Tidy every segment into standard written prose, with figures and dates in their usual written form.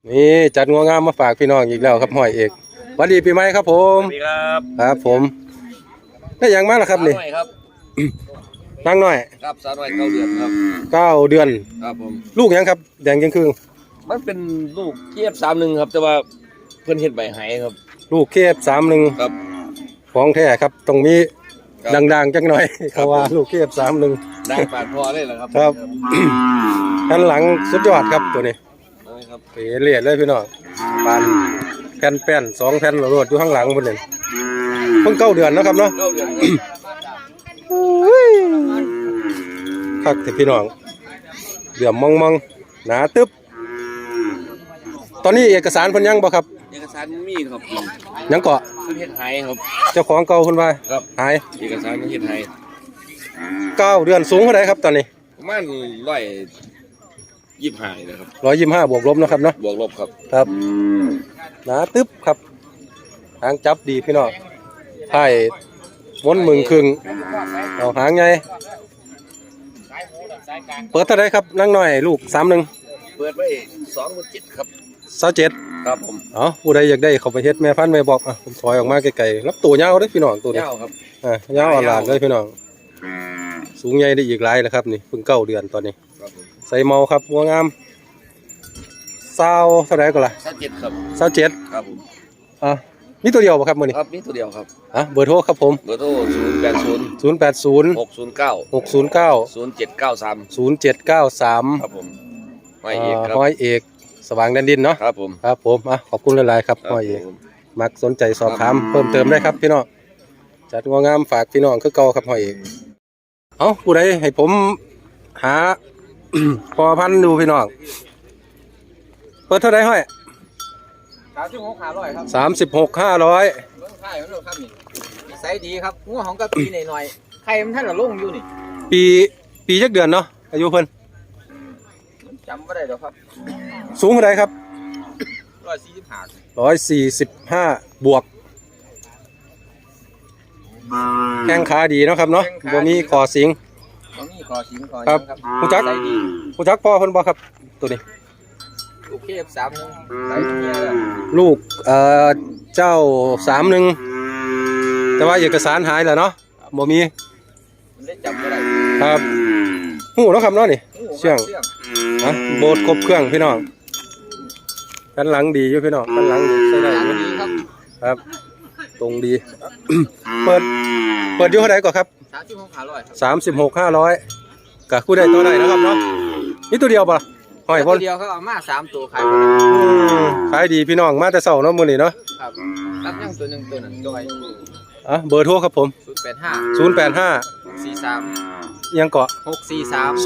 นี่จัดงัวงามมาฝากพี่น้องอีกแล้วครับห้อยเอกสวัสดีปีใหม่ครับผมสวัสดีครับครับผมได้ยังมาแล้วครับนี่ครับนั่งหน่อยครับสาวน้อย9 เดือนครับ 9 เดือนครับผมลูกยังครับแดงยังครึ่งมันเป็นลูกเทียบ31ครับแต่ว่าเพิ่นเฮ็ดใบหายครับลูกเคฟ31 ครับของแท้ครับตรงนี้ดังๆจังหน่อยเขาว่าลูกเคฟ31 ดังปาดพอเลยเหรอครับครับด้านหลังสุดยอดครับตัวนี้ครับเป๋เลียดเลยพี่น้องปานแผ่น2 แผ่นโหลดอยู่ข้างหลังบนนี้เพิ่ง9 เดือนนะครับเนาะ 9 เดือนคักแต่พี่น้องเหลื่อมมองหนาตึ๊บตอนนี้เอกสารเพิ่นยังบ่ครับเอกสารมีครับยังเกาะเพิ่นเฮ็ดหายครับเจ้าของเก่าเพิ่นว่าครับหายเอกสารเฮ็ดหาย 9 เดือนสูงเท่าใดครับตอนนี้ประมาณ125นะครับ 125บวกลบนะครับเนาะบวกลบครับครับหนาตึ๊บครับหางจับดีพี่น้องไผ่ม้วนมึงครึ่งเอาหางไงเปิดเท่าไรครับนั่งหน่อยลูก31 เปิดไว้27,000ครับ 27 ครับผมผู้ใดอยากได้เขาไปเฮ็ดแม่พันธุ์แม่บอกผมถอยออกมาไกลๆรับตัวยาวเด้อพี่น้องตัวนี้ยาวครับยาวอ่อนเลยพี่น้องสูงใหญ่ได้อีกหลายแล้วครับนี่เพิ่ง9 เดือนตอนนี้ใส่เมาครับงัวงามเท่าไรก็ล่ะ 27ครับ 27 ครับผมมีตัวเดียวป่ะครับมื้อนี้ครับมีตัวเดียวครับเบอร์โทรครับผมเบอร์โทร080 609 0793ครับผมห้อยเอกครับห้อยเอกสว่างแดนดินเนาะครับผมขอบคุณหลายๆครับห้อยเอกมักสนใจสอบถามเพิ่มเติมได้ครับพี่น้องจัดงัวงามฝากพี่น้องคือเก่าครับห้อยเอกผู้ใดให้ผมหา พอพันดูพี่น้องเปิดเท่าไรห้อย 36,500ครับ 36,500 เบิ่งไข่มันโลดครับนี่นิสัยดีครับงัวของกะปีหน่อยๆไข่มันท่านละลงอยู่นี่ปีจักเดือนเนาะอายุเพิ่นจำบ่ได้ดอกครับสูงเท่าไรครับ 145 บวกแข้งขาดีเนาะครับเนาะบ่มีคอสิงบ่มีคอสิงคอครับผู้จักพ่อเพิ่นบ่ครับตัวนี้ลูกเคฟ31ใส่เมียแล้วลูกเจ้า31แต่ว่าเอกสารหายแล้วเนาะบ่มีมันได้จำบ่ได้ครับหูเนาะครับเนาะนี่เชื่องโบดครบเครื่องพี่น้องกันหลังดีอยู่พี่น้องกันหลังดีใช้ได้อยู่ครับตรงดีเปิดอยู่เท่าไหร่ก่อนครับ 36,500 กับคู่ได้ตัวไหนนะครับเนาะนี่ตัวเดียวป่ะหอยพ่นตัวเดียวเขาเอามา3ตัวขายดีพี่น้องมาแต่เช้าเนาะมื้อนี้เนาะครับรับยังตัวนึงตัวนั้นจอยเบอร์โทรครับผม 085 43 ยังเกาะ 643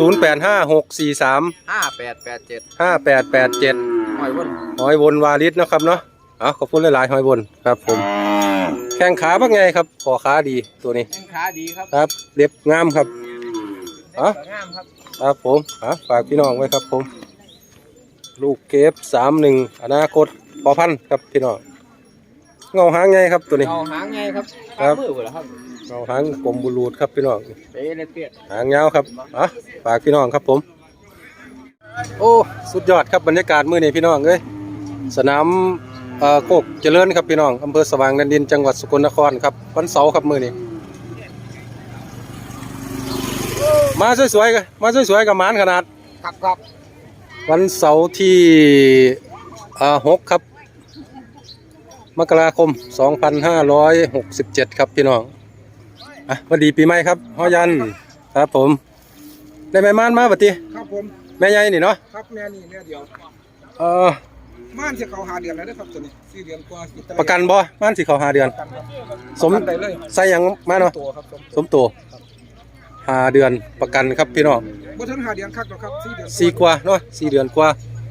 5887หอยวนวาลิสนะครับเนาะขอบคุณหลายๆหอยวนครับผมแข้งขาเป็นไงครับคอขาดีตัวนี้แข้งขาดีครับครับเล็บงามครับงามครับผมฝากพี่น้องไว้ครับผมลูกเก็บ31อนาคตพอพันครับพี่น้องเงาหางไงครับตัวนี้เงาหางไงครับมือเหรอครับเงาหางกลมบุรูดครับพี่น้องเป๊ะเลยเปียดหางยาวครับฝากพี่น้องครับผมโอ้สุดยอดครับบรรยากาศมื้อนี้พี่น้องเอ้ยสนามโคกเจริญครับพี่น้องอำเภอสว่างแดนดินจังหวัดสกลนครครับวันเสาร์ครับมื้อนี้มาสวยๆกับหมานขนาดครับวันเสาร์ที่6ครับมกราคม2567ครับพี่น้องวันดีปีใหม่ครับฮ้อยันครับผมได้แม่ม่านมาบัดนี้ครับผมแม่ใหญ่นี่เนาะครับแม่นี่แม่เดียวม่านสิเขา5 เดือนแล้วนะครับตัวนี้4 เดือนกว่าประกันบ่ม่านสิเขา5 เดือนสมได้เลยใส่หยังมาเนาะสมตัว5 เดือนประกันครับพี่น้องบ่ถึง5 เดือนคักหรอกครับ4 เดือน 4 กว่าเนาะ4 เดือนกว่า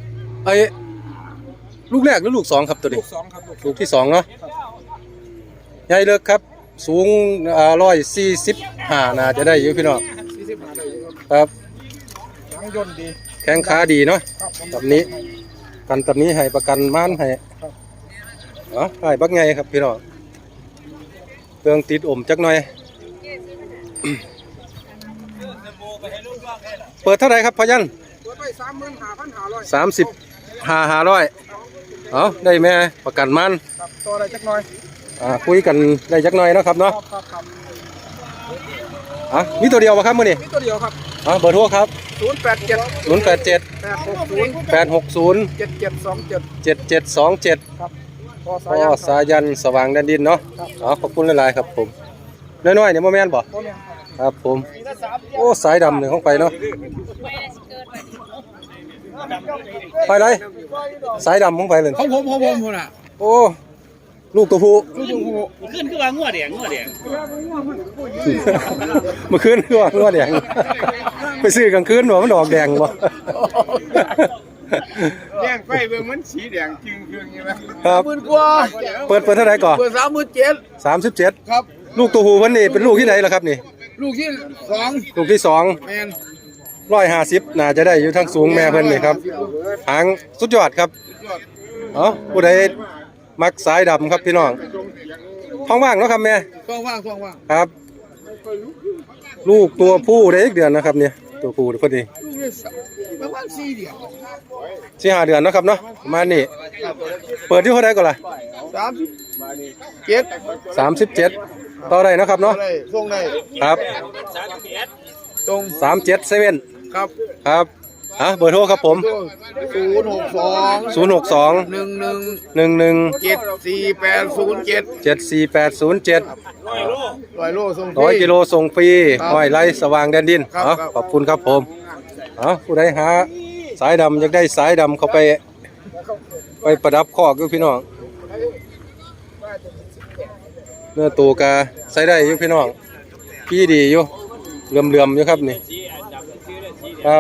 ลูกแรกหรือลูก2ครับตัวนี้ลูก2ครับลูกที่2เนาะใหญ่เลิกครับสูง145น่าจะได้อยู่พี่น้อง 45ได้อยู่ครับหางย่นดีแข้งขาดีเนาะแบบนี้ให้ประกันม่านให้ให้บักไงครับพี่น้องเครื่องติดจักหน่อยเปิดเท่าไหร่ครับพยัญเปิดไว้35,500 35,500 เอาได้แม่ประกันมันครับตัวอะไรจักหน่อยคุยกันได้จักหน่อยเนาะครับเนาะครับมีตัวเดียวป่ะครับมื้อนี้มีตัวเดียวครับเบอร์โทรครับ 087 087 860 860 7727 7727 ครับพอพ่อสายันสว่างแดนดินเนาะขอบคุณหลายๆครับผมน้อยๆเนี่ยบ่แม่นบ่ครับผมโอ้สายดำนี่ของไปเนาะไปเลยสายดำของไปเลยของผมน่ะโอ้ลูกตัวผู้ขึ้นคือว่างัวแดงเมื่อคืนคือว่างัวแดงไปซื้อกลางคืนบ่มันดอกแดงบ่แย่งไฟเบิ่งมันสีแดงจึงเครื่องใช่ไหมครับ 10,000 กว่าเปิดเท่าไหร่ก่อนเปิด37,000 37 ครับลูกตัวผู้เพิ่นนี่เป็นลูกที่ไหนล่ะครับนี่ลูกที่2 ลูกที่2 แม่น 150น่าจะได้อยู่ทั้งสูงแม่เพิ่นนี่ครับหางสุดยอดครับผู้ใดมักสายดำครับพี่น้องท้องว่างเนาะครับแม่ช่องว่างครับ ลูกตัวผู้ได้อีกเดือนนะครับเนี่ยตัวผู้พอดีลูกที่ประมาณ4 เดือน 4-5 เดือนเนาะครับเนาะประมาณนี้เปิดที่เท่าไหร่ก่อนล่ะ 37ต่อได้เนาะครับเนาะได้ส่งได้ครับตรง 377 ครับครับเบอร์โทรครับผม 062 062 11 11 74807 74807 100 โลส่ง 100 กิโลส่งฟรีครับห้อยไร่สว่างแดนดินครับครับขอบคุณครับผมผู้ใดหาสายดำอยากได้สายดำเข้าไปประดับคอกอยู่พี่น้องเนื้อตัวกาใส่ได้อยู่พี่น้องพี่ดีอยู่เหลื่อมๆอยู่ครับนี่ครับ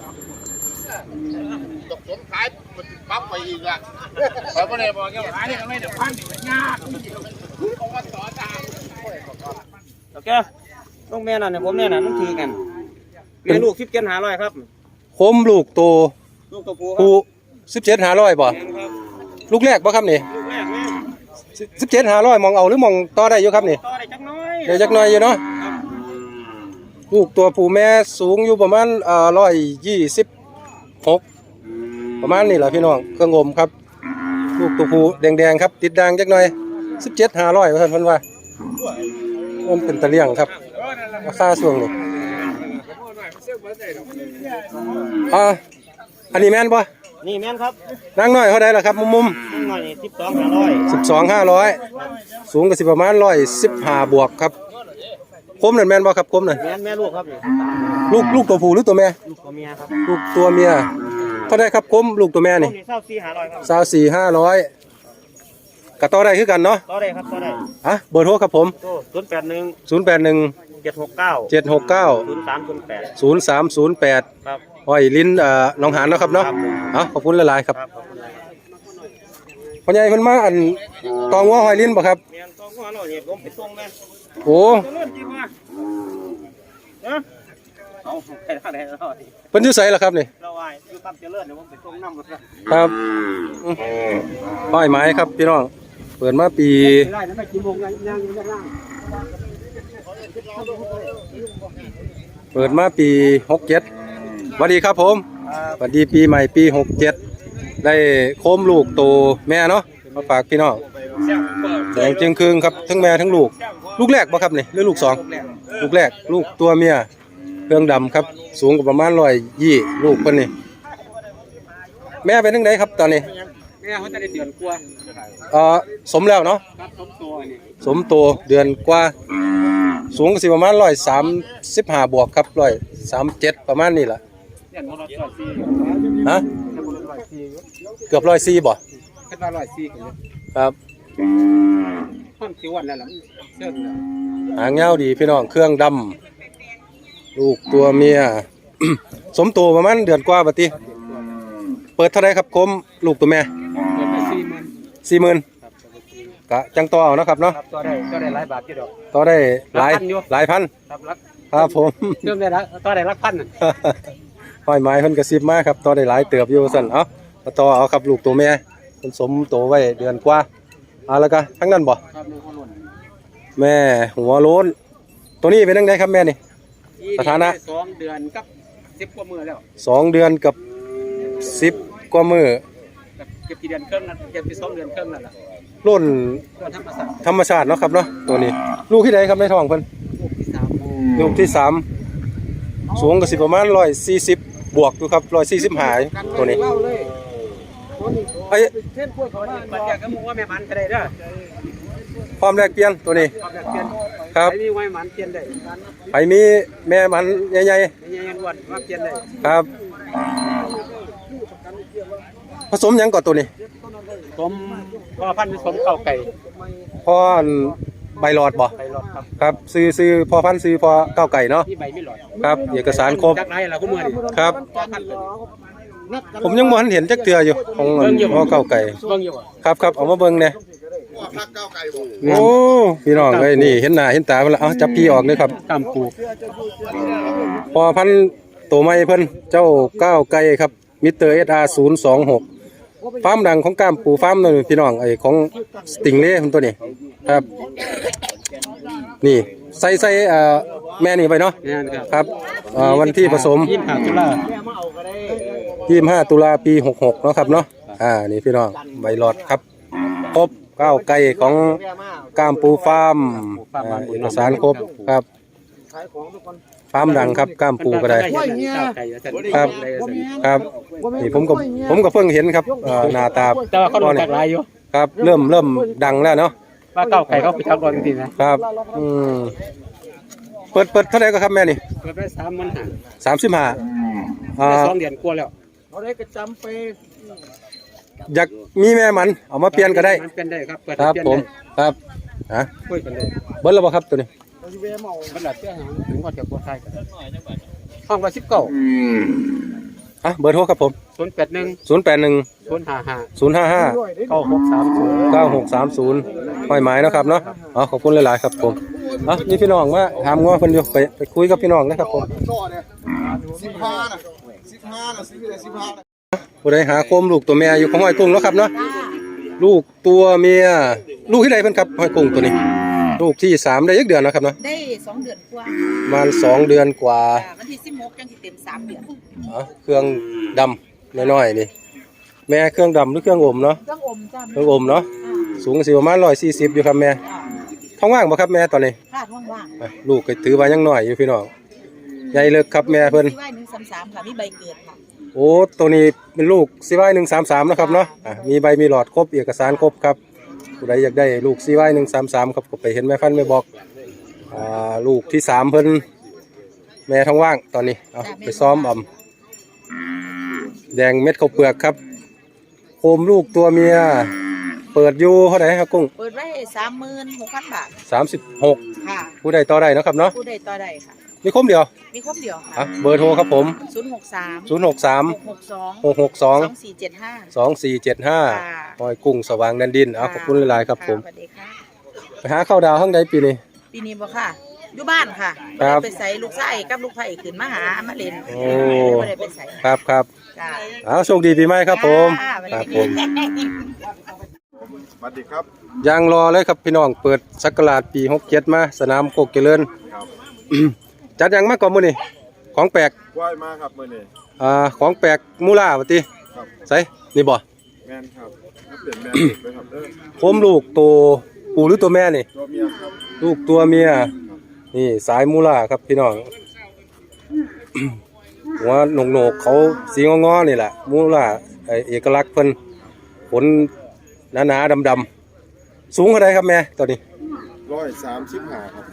ผมขายปั๊บไปอีกละขายบ่ได้บอกแกขายได้ก็ไม่เดี๋ยวพันนี่ยากเพราะว่าต่อตามโอเคลูกแม่น่ะเนี่ยผมเนี่ยน่ะมันถือกันแม่ลูก17,500ครับคมลูกโตลูกตัวผู้ผู้17,500บ่ครับลูกแรกบ่ครับนี่ลูกแรกแม่ 17,500มองเอาหรือมองต่อได้อยู่ครับนี่ต่อได้จักน้อยเดี๋ยวจักหน่อยอยู่เนาะลูกตัวผู้แม่สูงอยู่ประมาณ126ประมาณนี้แหละพี่น้องเครื่องงมครับ ลูกตัวผู้แดงๆครับติดด่างจักหน่อย17,500ว่าท่านเพิ่นว่ามันเป็นตะเลี่ยงครับราคาช่วงนี้อันนี้แม่นบ่นี่แม่นครับนางน้อยเท่าใดล่ะครับมุมนี่หน่อยนี่12,500 12,500สูงก็สิประมาณ115บวกครับคมนั่นแม่นบ่ครับคมนั่นแม่ลูกครับนี่ลูกตัวผู้หรือตัวแม่ลูกตัวเมียครับลูกตัวเมียเท่าไดครับคมลูกตัวแม่นี่นี่24,500ครับ 24,500ก็ต่อได้คือกันเนาะต่อได้ครับต่อได้เบอร์โทรครับผมโทร081 081 769 769 0308 ครับห้อยลิ้นหนองหานเนาะครับเนาะครับผมขอบคุณหลายๆครับครับขอบคุณครับพ่อใหญ่เพิ่นมาตองหัวห้อยลิ้นบ่ครับแม่นต้องหัวเราเนี่ยผมไปส่งแม่โอ้เจริญจริงว่ะนะเอาไปได้แล้วนี่เพิ่นอยู่ไสล่ะครับนี่เราไอ้อยู่ปั๊มเจริญเดี๋ยวผมไปส่งน้ำหมดแล้วครับห้อยไม้ครับพี่น้องเปิดมาปีได้นะไม่กี่โมงยังอยู่ด้านล่างเปิดมาปี67สวัสดีครับผมสวัสดีปีใหม่ปี67ได้โคมลูกโตแม่เนาะมาฝากพี่น้องแดงจึงครึ่งครับทั้งแม่ทั้งลูกลูกแรกบ่ครับนี่หรือลูกสองลูกแรกลูกตัวเมียเครื่องดำครับสูงกว่าประมาณ120ลูกเพิ่นนี่แม่เป็นจังไดครับตอนนี้แม่เขาจะได้เดือนกว่าสมแล้วเนาะครับสมตัวนี่สมโตเดือนกว่าสูงก็สิประมาณ135บวกครับ137ประมาณนี้ล่ะเดือนมรดกสี่ฮะเดือนมรดกสี่เกือบ104บ่ขึ้นมา104กันครับห้องสิวันแล้วล่ะเชื่อแล้วหางยาวดีพี่น้องเครื่องดำลูกตัวเมีย สมโตประมาณเดือนกว่าบัดนี้เปิดเท่าไรครับคมลูกตัวแม่เดือนละ40,000 40,000กะจังต่อเอาเนาะครับเนาะครับต่อได้หลายบาทที่ดอกต่อได้หลายหลายพันอยู่หลายพันครับรักครับผมเริ่มได้แล้วต่อได้รักพันห้อยไม้เพิ่นกระซิบมาครับต่อได้หลายเติบอยู่สั่นเอามาต่อเอาครับลูกตัวแม่เพิ่นสมโตไว้เดือนกว่าแล้วก็ทั้งนั้นบ่ครับมีคนหล่นแม่หัวโล้นตัวนี้เป็นจังไดครับแม่นี่ สถานะ 2 เดือนกับ10 กว่ามื้อแล้ว 2 เดือนกับ10 กว่ามื้อก็บกี่เดือนครึ่งนะเก็บไป2 เดือนครึ่งแล้วล่ะรุ่นก็ธรรมศาสตร์ธรรมชาติเนาะครับเนาะตัวนี้ ลูกที่ใดครับในท้องเพิ่นลูกที่3 ลูกที่สามสูงก็สิประมาณ140บวกอยู่ครับ140หายตัวนี้ไอ้เช่นพวกเขาปัญญาก็บอกว่าแม่มันก็ได้เด้อความแลกเปลี่ยนตัวนี้ความอยากเปลี่ยนครับใครมีไว้มันเปลี่ยนได้ไปมีแม่มันใหญ่ไม่ยังอ้วนว่าเปลี่ยนได้ๆครับ ผสมหยังก่อนตัวนี้ผมพ่อพันธุ์ผสมเก่าไก่พ่อใบหลอดบ่ไก่หลอดครับครับซื้อพ่อพันธุ์ซื้อพ่อก้าวไก่เนาะที่ใบไม่หลอดครับเอกสารครบจักไรล่ะก็มือนี่ครับพ่อพันธุ์เลยผมยังบ่ทันเห็นจักเทื่ออยู่ของพ่อก้าวไก่เบิ่งอยู่บ่ครับเอามาเบิ่งแหน่ว่าพักเก้าไก่บ่โอ้พี่น้องเอ้ยนี่เห็นหน้าเห็นตาเพิ่นละเอาจับพี่ออกเลยครับตามปูพอพันธุ์ตัวใหม่เพิ่นเจ้าก้าวไก่ครับมิสเตอร์ SR 026ฟาร์มดังของก้ามปูฟาร์มนั่นพี่น้องไอ้ของสติงเล่เพิ่นตัวนี้ครับ นี่ใส่แม่นี่ไปเนาะเนี่ยนะครับครับวันที่ผสม 25 ตุลา 25 ตุลาปี66เนาะครับเนาะนี่พี่น้องใบหลอดครับครบก้าวไก่ของก้ามปูฟาร์มเอกสารครบครับฟาร์มดังครับก้ามปูก็ได้ ครับ ครับนี่ผมก็เพิ่งเห็นครับหน้าตาแต่ว่าเขาโดนจักรายอยู่ครับเริ่มดังแล้วเนาะว่าเก่าไก่เขาไปจักรอนจริงๆนะครับเปิดเท่าไหร่ก็ครับแม่นี่เปิดได้35,000 35 2 เดือนกว่าแล้วอยากมีแม่มันเอามาเปลี่ยนก็ได้มันเป็นได้ครับเปิดครับเปลี่ยนผมได้ครับฮะคุยกันได้เบิ้ลแล้วบ่ครับตัวนี้มันหลับเจ้าหางถึงว่าจะกดไทยกันห้องละ19 เบอร์โทรครับผม 081 081 055 055 9630 9630ห้อยไม้เนาะครับเนาะขอบคุณหลายๆครับผมนี่พี่น้องมาถามง้อเพิ่นอยู่ไปคุยกับพี่น้องนะครับผมต่อเนี่ย15น่ะซื้อเลย15น่ะผู้ใดหาโคมลูกตัวแม่อยู่ของห้อยกุ้งเนาะครับเนาะลูกตัวเมียลูกที่ใดเพิ่นครับห้อยกุ้งตัวนี้ ลูกที่3ได้ยักเดือนเนาะครับเนาะได้2 เดือนกว่าประมาณ2เดือนกว่าวันที่16จังสิเต็ม3 เดือนเครื่องดำน้อยๆนี่แม่เครื่องดำหรือเครื่องอมเนาะเครื่องอมจ้าเครื่องอมเนาะสูงสิประมาณ140อยู่ครับแม่ท้องว่างบ่ครับแม่ตอนนี้คาดว่างลูกก็ถือว่ายังน้อยอยู่พี่น้องใหญ่เลิกครับแม่เพิ่นๆที่ว่า133ค่ะมีใบเกิดค่ะโอ้ตัวนี้เป็นลูกCY 133นะครับเนาะมีใบมีหลอดครบเอกสารครบครับผู้ใดอยากได้ลูกCY 133ครับก็ไปเห็นแม่พันธุ์แม่บอกลูกที่3เพิ่นแม่ท้องว่างตอนนี้เอาไปซ้อมแดงเม็ดข้าวเปลือกครับโคมลูกตัวเมียเปิดอยู่เท่าไหร่ครับกุ้งเปิดไว้ 36,000 บาท 36 ค่ะผู้ใดต่อได้เนาะครับเนาะผู้ใดต่อได้ค่ะมีคมเดียวมีครบเดียวค่ะเบอร์โทรครับผม 063 063 662 662 2475 2475หอยกุ้งสว่างแดนดินขอบคุณหลายๆครับผมสวัสดีค่ะไปหาข้าวดาวข้างใดปีนี้ปีนี้บ่ค่ะอยู่บ้านค่ะครับไปใส่ลูกไส้กับลูกไผ่ขึ้นมาหามาเล่นโอ้บ่ได้ไปใส่ครับจ้าโชคดีปีใหม่ครับผมจ้าครับผมสวัสดีครับยังรอเลยครับพี่น้องเปิดศักราชปี67มาสนามโคกเจริญครับจัดยังมากกว่ามื้อนี้ของแปลกว่ายมาครับมื้อนี้ของแปลกมูล่าว่าติครับใส่นี่บ่แม่นครับถ้าเปลี่ยนแม่นลูกเลยครับโคมลูกตัวผู้หรือตัวแม่นี่ตัวเมียครับลูกตัวเมียนี่สายมูล่าครับพี่น้อง หัวโหนกๆเขาสีงอๆนี่แหละมูล่าเอกลักษณ์เพิ่นขนหนาๆดำๆสูงเท่าไรครับแม่ตัวนี้ 135ครับ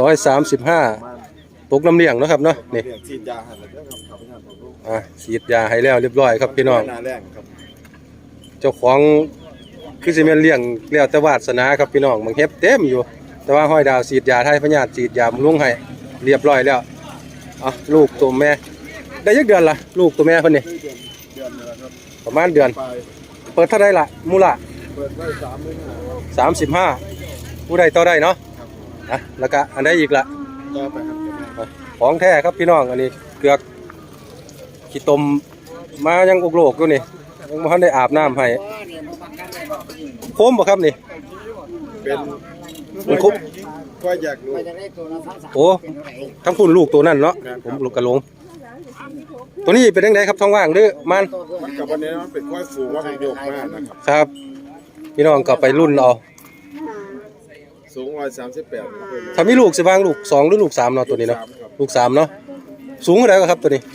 135ตกน้ำเลี้ยงเนาะครับเนาะนี่เลี้ยงฉีดยาให้แล้วครับครับผมลูกฉีดยาให้แล้วเรียบร้อยครับพี่น้องหน้าแรงครับเจ้าของคือสิแม่นเลี้ยงแล้วแต่วาสนาครับพี่น้องมันเฮ็บเต็มอยู่ แต่ว่าห้อยดาวฉีดยาไทยพญาติฉีดยาบำรุงให้เรียบร้อยแล้วลูกตัวแม่ได้ยักเดือนละลูกตัวแม่เพิ่นนี่เดือนนึงแล้วครับประมาณเดือนไปเปิดเท่าไรล่ะมูล่ะเปิดไว้35,000 35ผู้ใดต่อได้เนาะแล้วก็อันใดอีกล่ะต่อไปครับของแท้ครับพี่น้องอันนี้เกลือกขี้ตมมายังอุกโลกอยู่นี่ยังบ่ทันได้อาบน้ำให้โคมบ่ครับนี่เป็นมันครบก็อยากรู้โอ้ทั้งคุณลูกตัวนั่นเนาะผมลูกกระหลงตัวนี้เป็นยังไงครับท้องว่างหรือมันมันกับวันนี้มันเป็นควายสูงว่ามันโยกมากนะครับครับพี่น้องก็ไปรุ่นเอาสูง138 ถ้ามีลูกสิบางลูก2หรือลูก3เนาะตัวนี้เนาะลูก3เนาะสูงเท่าไหร่ครับตัวนี้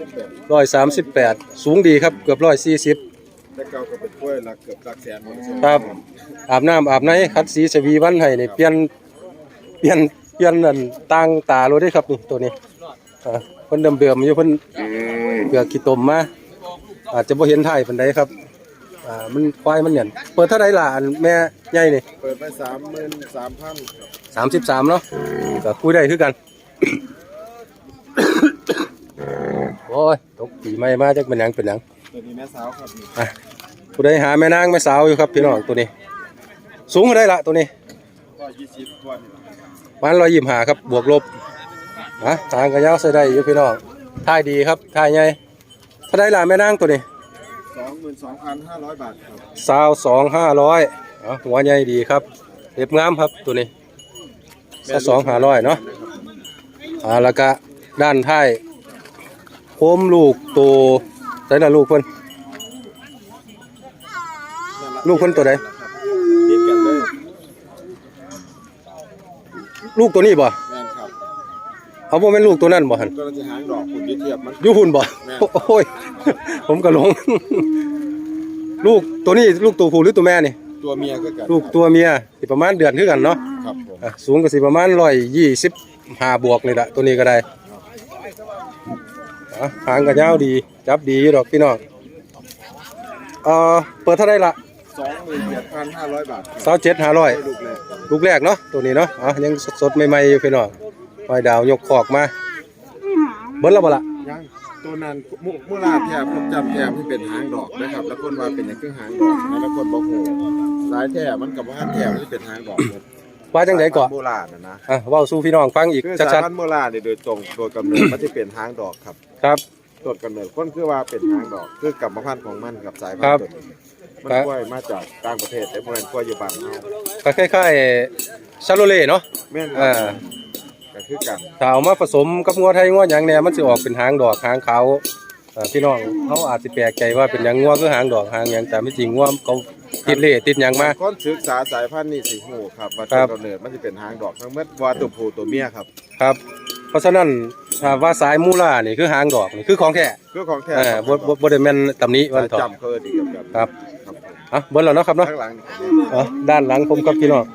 138สูงดีครับเกือบ140 แต่เก่าก็เป็นกล้วยหลักเกือบหลักแสนครับอาบน้ำอาบในคัดสีสวีวันให้นี่เปลี่ยนนั่นต่างตาโลดเด้ครับนี่ตัวนี้เพิ่นเดิมๆอยู่เพิ่นเกือกขี้ตมมาอาจจะบ่เห็นถ่ายปานใดครับมันควายมันหยันเปิดเท่าใดล่ะอันแม่ใหญ่นี่เปิดไป33,000 33เนาะก็คุยได้คือกัน โอ้ยตกปีใหม่มาจักเป็นหยังตัวนี้แม่สาวครับนี่ผู้ใดหาแม่นางแม่สาวอยู่ครับพี่น้องตัวนี้ สูงเท่าใดล่ะตัวนี้ 120ตัวนี่มัน125ครับบวกลบทางกระยาวใส่ได้อยู่พี่น้องท่ายดีครับท่ายใหญ่เท่าใดล่ะแม่นางตัวนี้ 22,500 บาทครับ 22,500หัวใหญ่ดีครับเรียบงามครับตัวนี้22,500เนาะแล้วก็ด้านท้ายโคมลูกตัวใส่ละลูกเพิ่นตัวใดติดกันเลยลูกตัวนี้บ่แม่นครับเอาบ่แม่นลูกตัวนั้นบ่หั่นก็จะหางดอกคุณเทียบมันอยู่หุ่นบ่แม่นโอ้ยผมก็หลง ลูกตัวนี้ลูกตัวผู้หรือตัวแม่นี่ตัวเมียก็กันลูกตัวเมียสิประมาณเดือนคือกันเนาะครับผมสูงก็สิประมาณ125บวกนี่ล่ะตัวนี้ก็ได้หางก็ยาวดีจับดีอยู่ดอกพี่น้องเปิดเท่าไหร่ล่ะ 27,500 บาท 27,500 ลูกแรกลูกแรกเนาะตัวนี้เนาะยังสดๆใหม่ๆอยู่พี่น้องหอยดาวยกคอกมาเบิ้ลแล้วบ่ล่ะยังตัวนั้นมูลาแถบผมจำแถบที่เป็นหางดอกนะครับแล้วคนว่าเป็นอย่างคือหางดอกแล้วคนบอกโหสายแถบมันกับว่าแถบที่เป็นหางดอกว่าจังได๋เกาะโบราณนะเว้าสู่พี่น้องฟังอีกคือสายชัดพันธุ์โบราณเนี่ยโดยตรงโดยกำเนิดมันจะเป็นหางดอกครับๆครับต้นกำเนิดคนคือว่าเป็นหางดอกคือกรรมพันธุ์ของมันกับสายพันครับธุ์ตัวนี้มันกล้วยมาจากต่างประเทศแต่โบราณกล้วยอยู่บ้านเฮาก็คล้ายๆชาโลเล่เนาะแม่น ก็คือกันถ้าเอามาผสมกับงัวไทยงัวหยังเนี่ยมันสิออกเป็นหางดอกหางขาวพี่น้องเขาอาจสิแปลกใจว่าเป็นหยังงัวคือหางดอกหางหยังแต่ไม่จริงงัวเขาติดเล่ติดหยังมาคนศึกษาสายพันธุ์นี่สิฮู้ครับว่าครัต้บนกำเนิดมันจะเป็นหางดอกทั้งหมดว่าตัวผู้ตัวเมียครับครับ เพราะฉะนั้นถ้าว่าสายมูล่านี่คือหางดอกนี่คือของแท้คือของแท้บ่ได้แม่นตำหนิวันสายเถาะจำเขาเอิ้นอีกครับครับครับผมเบิ่แล้วเนาะครับเนาะข้างหลังนี่ครับด้านหลังผมกับพี่น้อง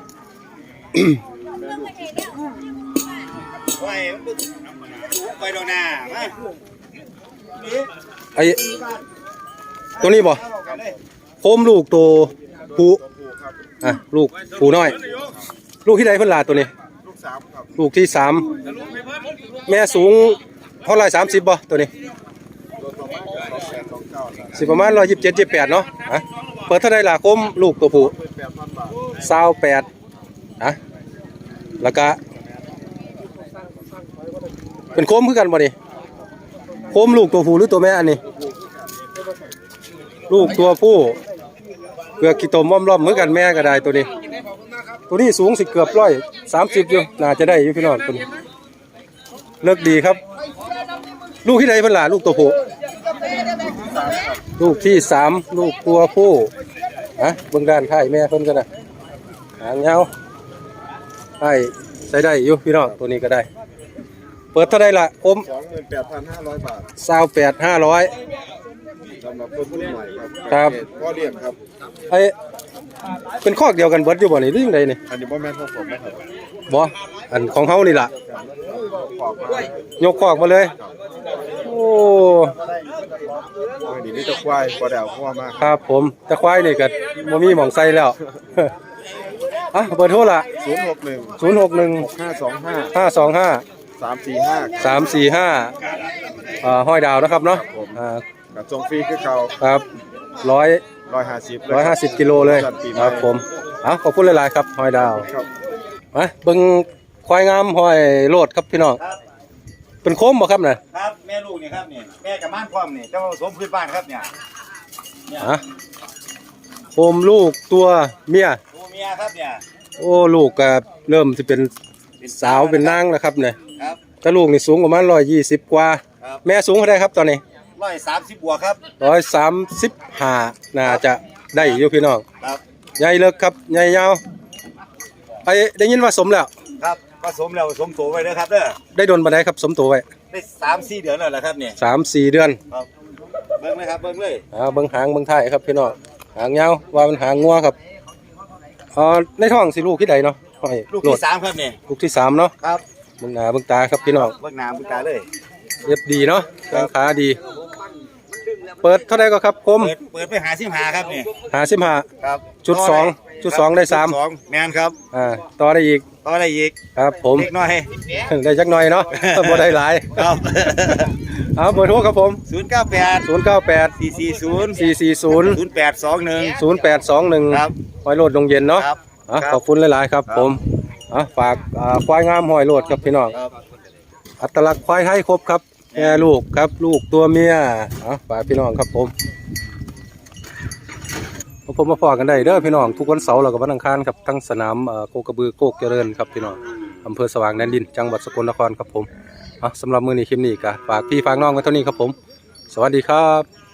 ไปดอกหน้ามาไอ้ตัวนี้บ่โคมลูกตัวผู้ลูกผู้น้อย ลูกที่ใดเพิ่นลาตัวนี้ลูกสามครับลูกที่สามแม่สูงเท่าไหร่30บ่ตัวนี้ตัวต่อมาก็2829ครับสิประมาณ127 28เนาะเปิดเท่าใดล่ะโคมลูกตัวผู้เป็น8,000 บาท 28แล้วก็เป็นโคมคือกันบ่นี่โคมลูกตัวผู้หรือตัวแม่อันนี้ ลูกตัวผู้เกือกขี้ตมล้อมๆเหมือนกันแม่ก็ได้ตัวนี้ ตัวนี้สูงสิเกือบ130อยู่น่าจะได้อยู่พี่น้องตัวนี้เลิกดีครับ ลูกที่ใดเพิ่นล่ะลูกตัวผู้ลูกที่3ลูกตัวผู้เบิ่งด้านท้ายแม่เพิ่นก็ได้หางยาวให้ใส่ได้อยู่พี่น้องตัวนี้ก็ได้ เปิดเท่าใดล่ะอม 28,500 บาท 28,500 สำหรับคนรุ่นใหม่ครับครับพ่อเลี้ยงครับไอ้เป็นคอกเดียวกันเบิดอยู่บ่นี่หรือจังไดนี่อันนี้บ่แม่นของผมนะครับบ่อันของเฮานี่ล่ะขอบมากยกคอกมาเลย โอ้อันนี้มีแตะควายบ่ได้เอาพ่อมากครับผมตะควายนี่ก็บ่มีหม่องใส่แล้ว เบอร์โทรล่ะ 061 061 525 525 345 345ห้อยดาวนะครับเนาะกับส่งฟรีคือเก่าครับ150กิโลเลยครับผมขอบคุณหลายๆครับห้อยดาวครับมาเบิ่งควายงามห้อยโลดครับพี่น้องเป็นโคมบ่ครับน่ะครับแม่ลูกนี่ครับนี่แม่กับม่านพร้อมนี่เจ้าสมพื้นบ้านครับเนี่ยโคมลูกตัวเมียตัวเมียครับเนี่ยโอ้ลูกก็เริ่มสิเป็นสาวเป็นนางแล้วครับเนี่ยครับแต่ลูกนี่สูงประมาณ120กว่าครับแม่สูงเท่าใดครับตอนนี้แ 130บวกครับ 135น่าจะได้อยู่พี่น้องครับใหญ่เลิกครับใหญ่ยาวไอ้ได้ยินว่าสมแล้วครับผสมแล้วผสมโตไว้นะครับเด้อได้โดนบันไดครับสมตัวไว้ได้3-4เดือนแล้วล่ะครับเนี่ย 3-4 เดือนครับเบิ่งเลยครับเบิ่งเลยเบิ่งหางเบิ่งท้ายครับพี่น้องหางยาวว่ามันหางงัวครับในท้องสิลูกที่ใดเนาะห้อยลูกโลที่ด 3ครับเนี่ยลูกที่3เนาะครับเบิ่งหน้าเบิ่งตาครับพี่น้องเบิ่งหน้าเบิ่งตาเลยเรียบดีเนาะแข้งขาดี เปิดเท่าไหร่ก็ครับคมเปิดไป55ครับเนี่ย 55 ครับจุด2ได้3 2แม่นครับต่อได้อีกต่อได้อีกครับผมเล็กน้อยได้จักหน่อยเนาะ บ่ได้หลายครับเอาเบอร์โทรครับผม 098 098 440 440 0821 0821 ครับหอยโลดดงเย็นเนาะครับขอบคุณหลายๆครับผมฝากควายงามหอยโลดครับพี่น้องครับอัตลักษณ์ควายไทยครบครับแม่ลูกครับลูกตัวเมียฝากพี่น้องครับผมมาพอกันได้เด้อพี่น้องทุกวันเสาร์แล้วก็วันอังคารครับทั้งสนามโคกระบือโคกเจริญครับพี่น้องอำเภอสว่างแดนดินจังหวัดสกลนครครับผมสำหรับมื้อนี้คลิปนี้ก็ฝากพี่ฝากน้องไว้เท่านี้ครับผมสวัสดีครับ